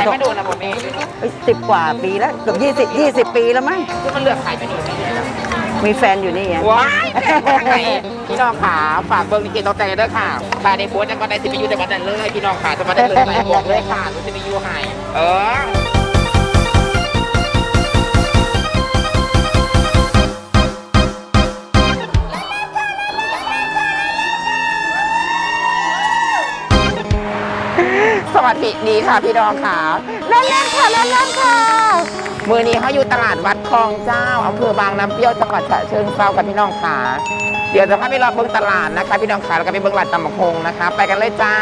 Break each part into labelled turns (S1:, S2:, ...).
S1: ไม่โดนนะผมเอง
S2: 10 กว่าปีแล้วเกือบ20 ปีแล้วมั้ง
S1: คือมันเลือกขายไปนี่
S2: มีแฟนอยู่นี่ไง
S1: ว้ายพี่น้องขาฝากเบิ้งลิเกต้องใจด้วยค่ะตาในโพสต์ยังก็ได้สิไปอยู่แต่วันนั้นเลยพี่น้องขาจะมาได้เลยไลฟ์บอกเลยค่ะรู้สิไปอยู่หายสวัสดีค่ะพี่น้องขาเล่นๆค่ะเล่นๆค่ะมือนี้เขาอยู่ตลาดวัดคลองเจ้าอำเภอบางน้ำเปรี้ยวจังหวัดฉะเชิงเทรากับพี่น้องขาเดี๋ยวจะพาไปรอเบิ้งตลาดนะคะพี่น้องขาแล้วก็ไปเบิ้งร้านตำบักฮงนะคะไปกันเลยจ้า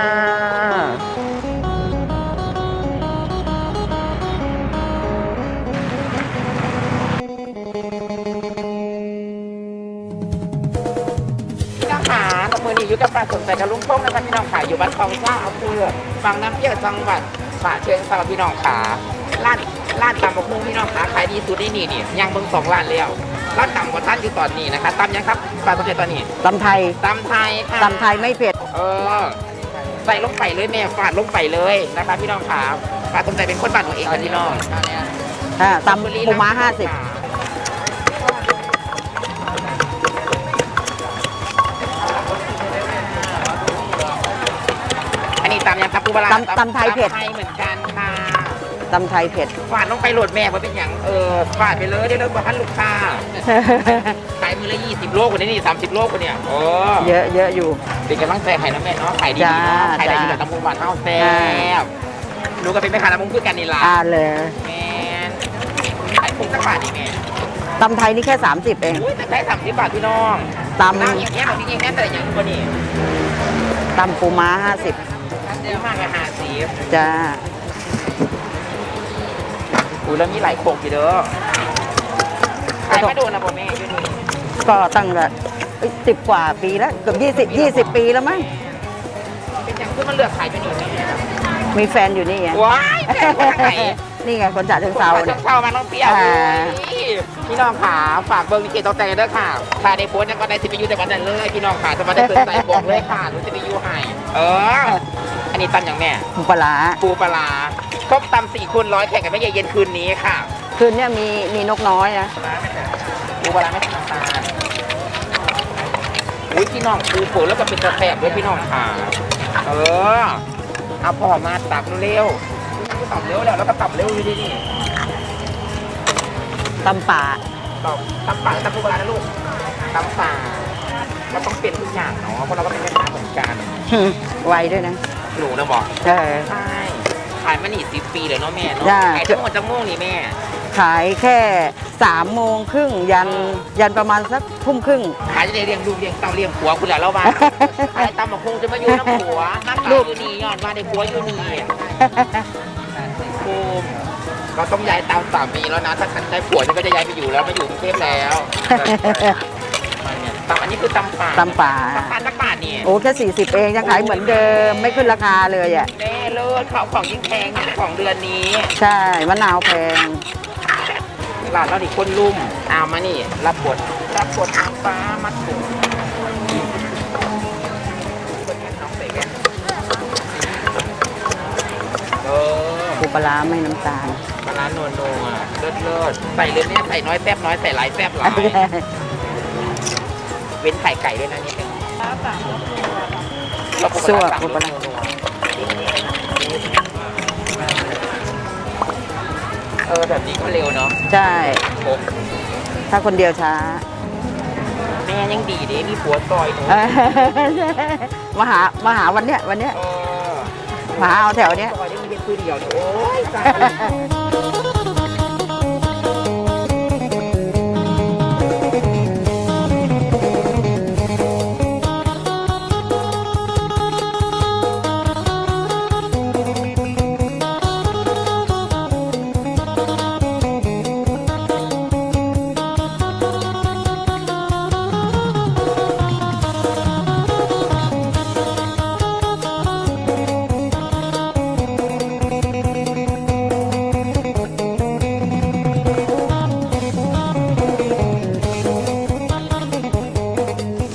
S1: พี่น้องขามือนี้อยู่กับปลาสนใจกับลุงพงนะคะพี่น้องขาอยู่บ้านคลองเจ้าอำเภอบางน้ำเปรี้ยวจังหวัดฉะเชิงเทราพี่น้องขาร้านตำบักฮงพี่น้องขาขายดีสุดในนี่ยังเบิ้ง2 ร้านแล้วร้านตำกว่าท่านอยู่ตอนนี้นะคะตำยังครับปลาสนใจตอนนี้
S2: ตำไทย
S1: ค่ะ
S2: ตำไทยไม่เผ็ด
S1: ใส่ลงไปเลยแม่ฟาดลงไปเลยนะคะพี่น้องขาปลาสนใจเป็นคนบ้านของเองกันพี่น้อง
S2: ตำปูม้า50
S1: อันนี้ตำยังครับปูปลา
S2: ตำไทยเผ็ด
S1: เหมือนกันค่ะ
S2: ตำไทยเผ็ด
S1: ฟาดลงไปโหลดแม่ว่าเป็นอย่างฟาดไปเลยได้เลิกกว่าท่านลูกค้าขายมือละ20 โลกว่านี้นี่30 โลกว่าเนี่ย
S2: เยอะอยู่
S1: เป็นกำลังใจให้นะแม่เนาะขายดีเนาะขายได้อยู่กับตำปูหวานเท่าแซ่บดูก็เป็นแม่ค้าตำปูคือกันนี่ล่ะ
S2: เลย
S1: แม่ขายปูสักบาทนี่แม่
S2: ตำไทยนี่แค่30เอง
S1: แค่30 บาทพี่น้อง
S2: ตำ
S1: อย่างเงี้ยแบบจริงๆแม่แต่อย่างตัวนี้
S2: ตำปูม้า50
S1: เยอะมากเลย50
S2: จ้า
S1: แล้วมีหลายโขกอยู่เด้อขายไม่โดนนะผมแม่อยู่นี่
S2: ก็ตั้งแต่10 กว่าปีแล้วเกือบ20 ปีแล้วมั้ง
S1: เป็นอย่างที่มันเลือกขายไปนี่แม่
S2: มีแฟนอยู่นี่ไง
S1: ว้ายแฟนคนไหน
S2: นี่ไงคนฉะเชิงเทราเนี่ย
S1: เข้ามาต้องเปรี้ยวพี่น้องขาฝากเบิ้งลิเกต้องใจด้วยค่ะตาในโพสต์ยังก็ได้สิไปอยู่แต่วันนั้นเลยพี่น้องขาจะมาได้สนใจบอกเลยค่ะรู้สิไปอยู่หายอันนี้ตำอย่างแม่
S2: ปูปลา
S1: ครบตำ4 คูณ 100แข่งกันไม่เย็นคืนนี้ค่ะ
S2: คืนนี้มีนกน้อยนะ
S1: ปูปลาไม่ใส่น้ำตาลอุ้ยพี่น้องปูเปิดแล้วก็เป็นกระแทกด้วยพี่น้องค่ะเอาพอมาตักเร็วตับเร็วแล้วก็ตับเร็วดีนี่
S2: ตำป่า
S1: ตำปูปลานะลูกตำป่าเราต้องเปลี่ยนทุกอย่างเนาะเพราะเราก็เป็นแม่ค้าเหมือนกัน
S2: ไวด้วยนะ
S1: หนูนะบอก
S2: ใช่
S1: ขายมาหนี10 ปีเลยเนาะแม่เนาะขายทั้งหมดจังโมงนี่แม่
S2: ขายแค่3:30ยันประมาณสัก20:30
S1: ขายจะได้เลี้ยงลูกเลี้ยงเต้าเลี้ยงผัวคุณแหละเราบ้าขายตำบักฮงจะมาอยู่น้ำผัวน้ำตาอยู่นี่ย้อนมาได้ผัวอยู่นี่ภูมิเราต้องย้ายตามสามีแล้วนะถ้าฉันได้ผัวฉันก็จะย้ายไปอยู่แล้วมาอยู่กรุงเทพแล้วตำอันนี้คือตำป่า
S2: ตักบาท
S1: นี่
S2: โอ้แค่40เองยังขายเหมือนเดิมไม่ขึ้นราคาเลยอ่ะ
S1: แน่เลิศของยิ่งแพงของเดือนนี้
S2: ใช่มะนาวแพง
S1: ร้านเราดิคนลุ่มเอามานี่รับบทน้ำฟ้ามัดถุง
S2: ปูปลาไม่น้ำตาล
S1: ปลาโนโนเลิศใส่เลยเนี่ยใส่น้อยแซ่บน้อยใส่หลายแซ่บหลายเว้นไข่ไก่ด้วยนะนี่เป็น
S2: สั่วปูปลา
S1: แบบนี้ก็เร็วเนาะ
S2: ใช่ถ้าคนเดียวช้า
S1: แม่ยังดีดิมีผัวซอยหนู
S2: มาหาวันเนี้ยมาหาเอาแถวเนี้ย
S1: ซอยได้มีเป็นคือเดียวโอ้ย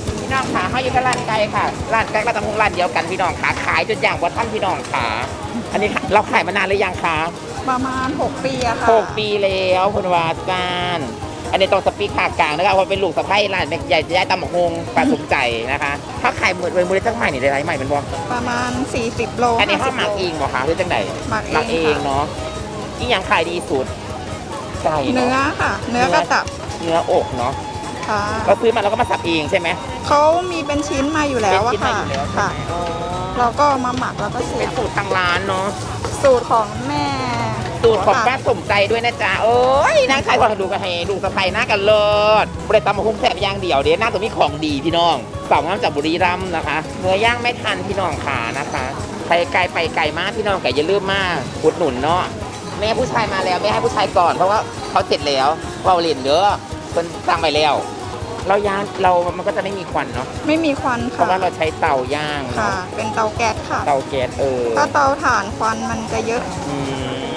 S1: ร้านไก่ค่ะร้านไก่ก็ต้องร้านเดียวกันพี่น้องขาขายจนอย่างว่าท่านพี่น้องขาอันนี้เราขายมานานหรือยังคะ
S2: ประมาณ 6 ปีอะค่ะ
S1: 6 ปีแล้วคุณวาซานอันนี้ต้องสปีกภาคกลางนะคะว่าเป็นลูกสะใภ้ร้านใหญ่ย้ายตำบักฮงปลาสมใจนะคะถ้าขายหมื่นเว้ยจังใหม่นี่ได้ไรใหม่เป็นบ่
S2: ประมาณ 40 โล
S1: อันนี้เขา
S2: 50
S1: หมัก
S2: โล
S1: เองเหรอคะหรือจังไหน
S2: หมักเอง
S1: หมักเองเนาะอีหยังขายดีสุดไก่
S2: เนื้อค่ะ เนื้อก็ตับ
S1: เนื้ออกเนาะ
S2: ค่ะ
S1: เราซื้อมาแล้วก็มาสับเองใช่ไหม
S2: เขามีเป็นชิ้นมาอยู่แล้วอะ
S1: เป็นชิ้นมา
S2: ค่ะ
S1: อยู่แล้วใช่
S2: ค่ะ
S1: ไหมอ๋อ
S2: เราก็มาหมักแล้วก็เสี
S1: เป็
S2: ย
S1: น
S2: บ
S1: สูตรทางร้านเนาะ
S2: สูตรของแม่
S1: สูตรของป้า
S2: ค่ะ
S1: สมใจด้วยนะจ๊ะเอ้ยนางขายของดูกันให้ลูกสะใภ้หน้ากันเลิศบริตำมะฮุ่มแสบอย่างเดียวเดี๋ยวหน้าตัวมีของดีพี่น้องสาวงามจากบุรีรัมย์นะคะเนื้อย่างไม่ทันพี่น้องขานะคะไปไกลไปไกลมากพี่น้องไก่อย่าลืมมากอุดหนุนเนาะแม่ผู้ชายมาแล้วไม่ให้ผู้ชายก่อนเพราะว่าเขาเสร็จแล้วเราเล่นเด้อคนสร้างไปแล้วเราย่างเรามันก็จะไม่มีควันเนาะ
S2: ไม่มีควัน
S1: เพ
S2: ค่ะ
S1: ราะว่าเราใช้เตาย่าง
S2: ค่ะ
S1: เนาะ
S2: เป็นเตาแก๊สค่ะ
S1: เตาแก๊ส
S2: ถ้าเตาถ่านควันมันจะเยอะ
S1: อืม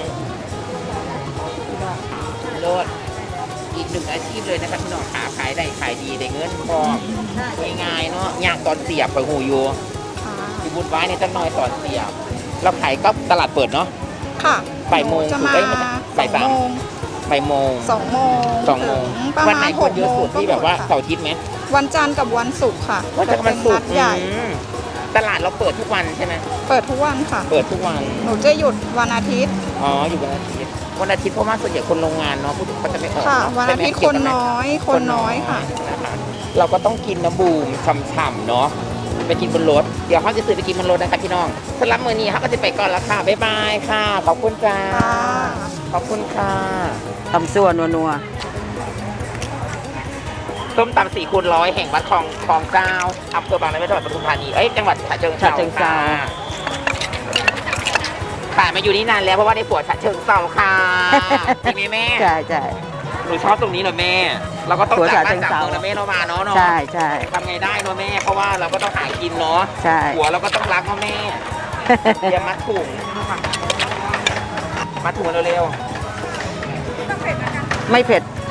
S1: โลดอีกหนึ่งอาชีพเลยนะครับพี่น้องขาขายได้ขายดีได้เงินพอง่ายๆเนาะย่างตอนเสียบไปหูอยู่
S2: ค่ะ
S1: ที่บุญไว้ในจังน้อยตอนเสียบเราขายก็ตลาดเปิดเนาะ
S2: ค่ะ
S1: บ่ายโมง
S2: จะมา
S1: เอ้ยไม่ใช่บ่ายสาม บ่ายโมง
S2: 2 โมง
S1: 2 โมง
S2: ถึประ
S1: วัน
S2: มา
S1: ไหน
S2: ณ
S1: คน
S2: 6
S1: เยอะ
S2: โม
S1: สุ
S2: ง
S1: ด
S2: ก็
S1: ที่
S2: ห
S1: แบ
S2: ม
S1: บ
S2: ด
S1: ว่า
S2: ค่ะ
S1: เสาร์อาทิตย์ไหม
S2: วันจันทร์กับวันศุกร์ค่ะ
S1: วันจันทร์กับวันศุกร์
S2: เป็นนัดใหญ่
S1: ตลาดเราเปิดทุกวันใช่ไหม
S2: เปิดทุกวันค่ะ
S1: เปิดทุกวัน
S2: หนูจะหยุดวันอาทิตย์
S1: อ๋ออยู่วันอาทิตย์วันอาทิตย์เพราะว่าส่วนใหญ่คนโรงงานเนาะผู้เขาจะไม่ออก
S2: ค่ะ
S1: เนาะ
S2: วันอาทิตย์คนน้อย คนน้อยค่ะ
S1: นะคะเราก็ต้องกินน้ำบูมฉ่ำๆเนาะไปกินบนรถเดี๋ยวเขาจะซื้อไปกินบนรถนะคะพี่น้องสำหรับมื้อนี้เขาก็จะไปก่อนแล้วค่ะบ๊ายบายค่ะขอบคุณจ้า
S2: ค่ะ
S1: ขอบคุณค่ะ
S2: ทำส่วนนัว
S1: ส้มตำ4x100แห่งวัดคลองเจ้าอำเภอบางน้ำเปรี้ยวจังหวัดปทุมธานีจังหวัดฉะเชิงเทราค่ะขายมาอยู่นี่นานแล้วเพราะว่าได้ผัวฉะเชิงเทราค่ะจริงไหมแม่
S2: ใช่ใช่
S1: หนูชอบตรงนี้เหรอแม่ เราก็ต้อง
S2: ผัว
S1: จาก
S2: ฉะ
S1: บ้านจาก
S2: เชิงเทรา
S1: เมืองนะแม่เรามาเนาะ
S2: ใช่ใช่
S1: ทำไงได้เนาะแม่ เพราะว่าเราก็ต้องหากินเนาะ
S2: ใช่
S1: ผัวเราก็ต้องรักเนาะแม่อย่ามัดถุงมัดถุงเร็ว
S2: ไม่เผ็ด
S1: ๆ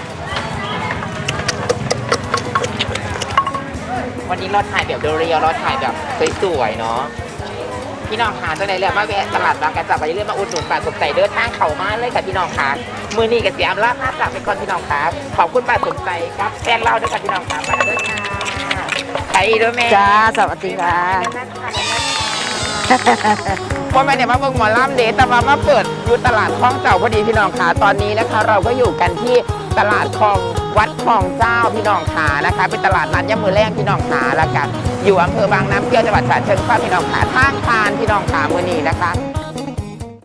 S1: วันนี้เราถ่ายแบบเรียวๆเราถ่ายแบบสวยๆเนาะพี่น้องขาตัวไหนเรียกว่าแวะตลาดบางกระจับไปเรื่อยมาอุดหนุนป้าสมใจเดินทางเข่ามาเลยค่ะพี่น้องขามือนี้กับเสียมลาภาจากไปก่อนพี่น้องครับขอบคุณป้าสมใจครับแฟนเราด้วยค่ะพี่น้องครับมาด้วยค่ะไปด้วยแม่
S2: จ้า สวัสดีค่ะ
S1: ว่าไม่ได้มาเบิ่งหมอลำเดทแต่ว่ามาเปิดอยู่ตลาดคลองเจ้าพอดีพี่น้องขาตอนนี้นะคะ เราก็อยู่กันที่ตลาดคลองวัดคลองเจ้าพี่น้องขานะคะเป็นตลาดนัดย่ำมือแรกพี่น้องขาแล้วกันอยู่อำเภอบางน้ำเปรี้ยวจังหวัดฉะเชิงเทราพี่น้องขาทางผ่านพี่น้องขามือนี้นะคะ